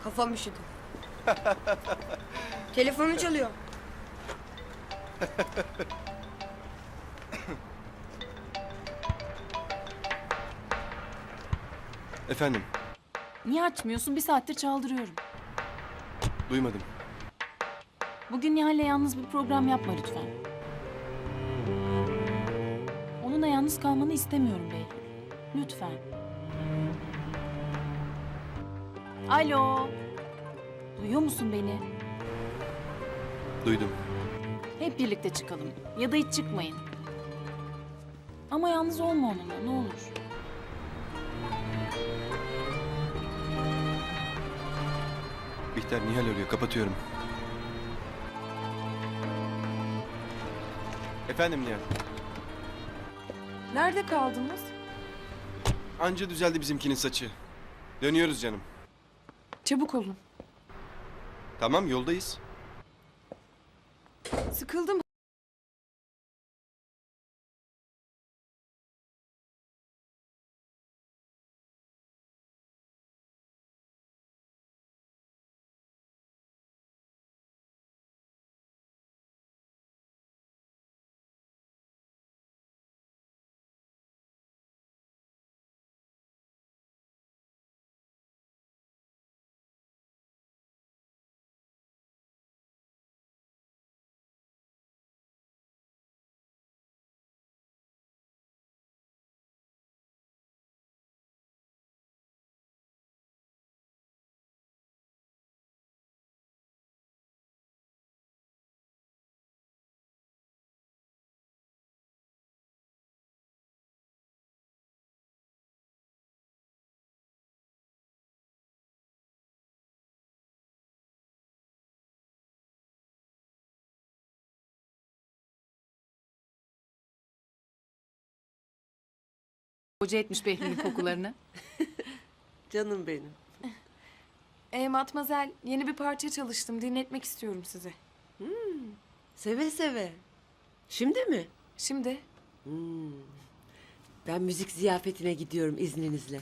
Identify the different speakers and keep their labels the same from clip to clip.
Speaker 1: Kafam üşüdü. Telefonu çalıyor.
Speaker 2: Efendim,
Speaker 3: Niye açmıyorsun? Bir saattir çaldırıyorum.
Speaker 2: duymadım.
Speaker 3: Bugün Nihal'le yalnız bir program yapma lütfen. Onunla yalnız kalmanı istemiyorum Behlül. Lütfen. Alo. Duyuyor musun beni?
Speaker 2: Duydum.
Speaker 3: Hep birlikte çıkalım. Ya da hiç çıkmayın. Ama yalnız olma onunla ne olur.
Speaker 2: Bihter Nihal arıyor, kapatıyorum. Efendim Nihal.
Speaker 4: Nerede kaldınız?
Speaker 2: Anca düzeldi bizimkinin saçı. Dönüyoruz canım.
Speaker 4: Çabuk olun.
Speaker 2: Tamam, yoldayız.
Speaker 4: Sıkıldım.
Speaker 3: Hoca etmiş Behlül'ün kokularını.
Speaker 5: Canım benim.
Speaker 4: Matmazel, yeni bir parça çalıştım. Dinletmek istiyorum size.
Speaker 5: Seve seve. Şimdi mi?
Speaker 4: Şimdi
Speaker 5: Ben müzik ziyafetine gidiyorum izninizle.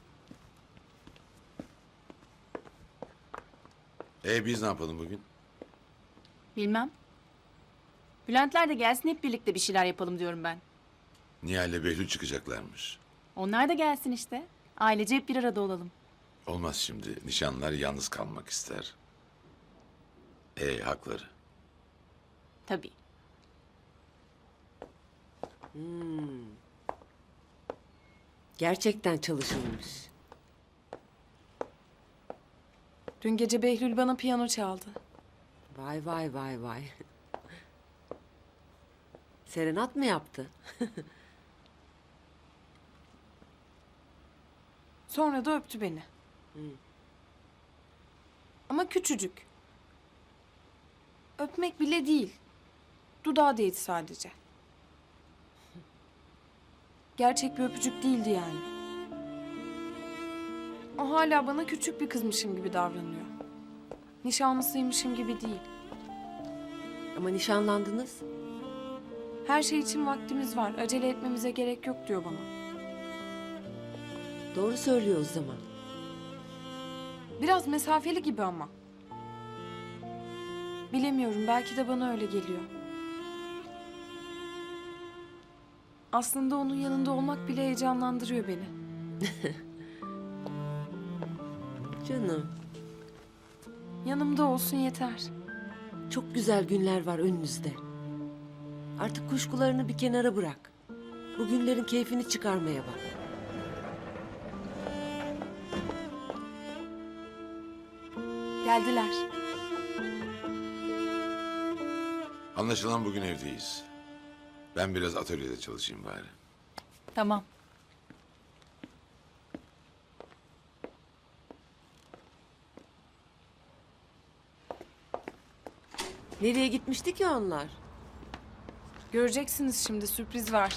Speaker 6: Biz ne yapalım bugün?
Speaker 3: Bilmem. Bülentler de gelsin hep birlikte bir şeyler yapalım diyorum ben.
Speaker 6: Nihal'le Behlül çıkacaklarmış.
Speaker 3: Onlar da gelsin işte. Ailece hep bir arada olalım.
Speaker 6: Olmaz şimdi. Nişanlılar yalnız kalmak ister. Hakları.
Speaker 3: Tabii.
Speaker 5: Gerçekten çalışılmış.
Speaker 4: dün gece Behlül bana piyano çaldı.
Speaker 5: Vay vay vay vay. Serenat mı yaptı?
Speaker 4: Sonra da öptü beni. Ama küçücük. Öpmek bile değil. Dudağı değdi sadece. Gerçek bir öpücük değildi yani. O hala bana küçük bir kızmışım gibi davranıyor. Nişanlısıymışım gibi değil.
Speaker 5: Ama nişanlandınız.
Speaker 4: Her şey için vaktimiz var. Acele etmemize gerek yok diyor bana.
Speaker 5: Doğru söylüyor o zaman.
Speaker 4: Biraz mesafeli gibi ama. Bilemiyorum, belki de bana öyle geliyor. Aslında onun yanında olmak bile heyecanlandırıyor beni.
Speaker 5: Canım,
Speaker 4: Yanımda olsun yeter.
Speaker 5: çok güzel günler var önünüzde. Artık kuşkularını bir kenara bırak. Bu günlerin keyfini çıkarmaya bak.
Speaker 4: Geldiler.
Speaker 6: Anlaşılan bugün evdeyiz. Ben biraz atölyede çalışayım bari.
Speaker 3: Tamam.
Speaker 5: Nereye gitmişti ki onlar?
Speaker 4: Göreceksiniz şimdi, sürpriz var.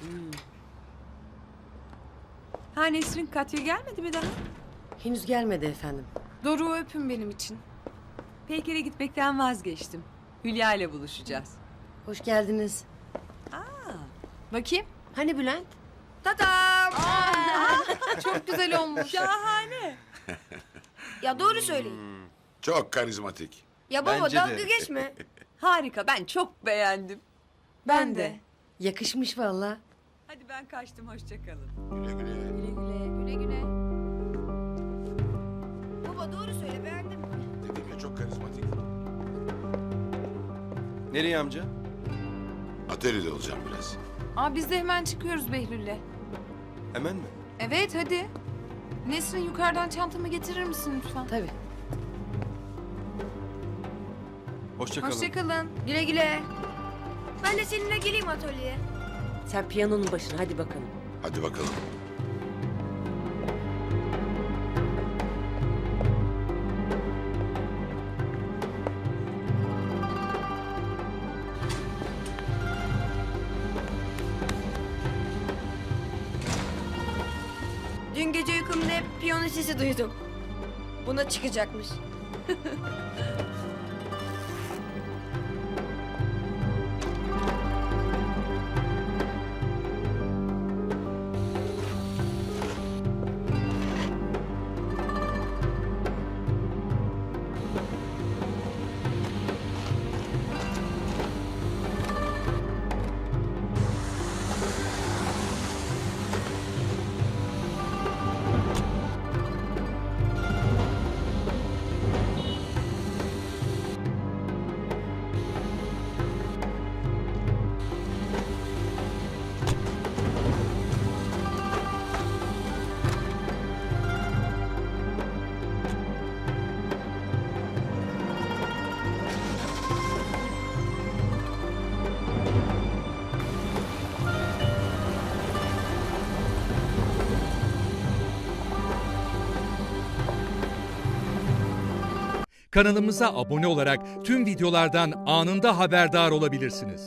Speaker 7: Ha Nesrin, Katya gelmedi mi daha?
Speaker 5: Henüz gelmedi efendim.
Speaker 4: Doruk'u öpün benim için.
Speaker 7: Peyker'e gitmekten vazgeçtim. Hülya ile buluşacağız.
Speaker 5: Hoş geldiniz.
Speaker 4: Bakayım.
Speaker 5: Hani Bülent?
Speaker 4: Çok güzel olmuş.
Speaker 7: Şahane.
Speaker 1: Ya doğru söyleyin.
Speaker 6: Çok karizmatik.
Speaker 1: Ya baba
Speaker 2: Bence
Speaker 1: dalga
Speaker 2: de.
Speaker 1: geçme.
Speaker 7: Harika, ben çok beğendim.
Speaker 4: Ben de.
Speaker 1: Yakışmış valla.
Speaker 7: Hadi ben kaçtım, hoşça kalın.
Speaker 6: Güle güle.
Speaker 1: Güle güle. Baba doğru söyle beğendin mi?
Speaker 6: Dedim ya çok karizmatik.
Speaker 2: Nereye amca?
Speaker 6: Atölyede olacağım biraz.
Speaker 4: Aa biz de hemen çıkıyoruz Behlül'le.
Speaker 2: Hemen mi?
Speaker 4: Evet hadi. Nesrin yukarıdan çantamı getirir misin lütfen?
Speaker 5: Tabii.
Speaker 2: Hoşça kalın.
Speaker 4: Hoşçakalın.
Speaker 1: Güle güle. Ben de seninle geleyim atölyeye.
Speaker 5: Sen piyanonun başına hadi bakalım.
Speaker 6: Hadi bakalım.
Speaker 1: Dün gece uykumda hep piyano sesi duydum. Buna çıkacakmış.
Speaker 8: Kanalımıza abone olarak tüm videolardan anında haberdar olabilirsiniz.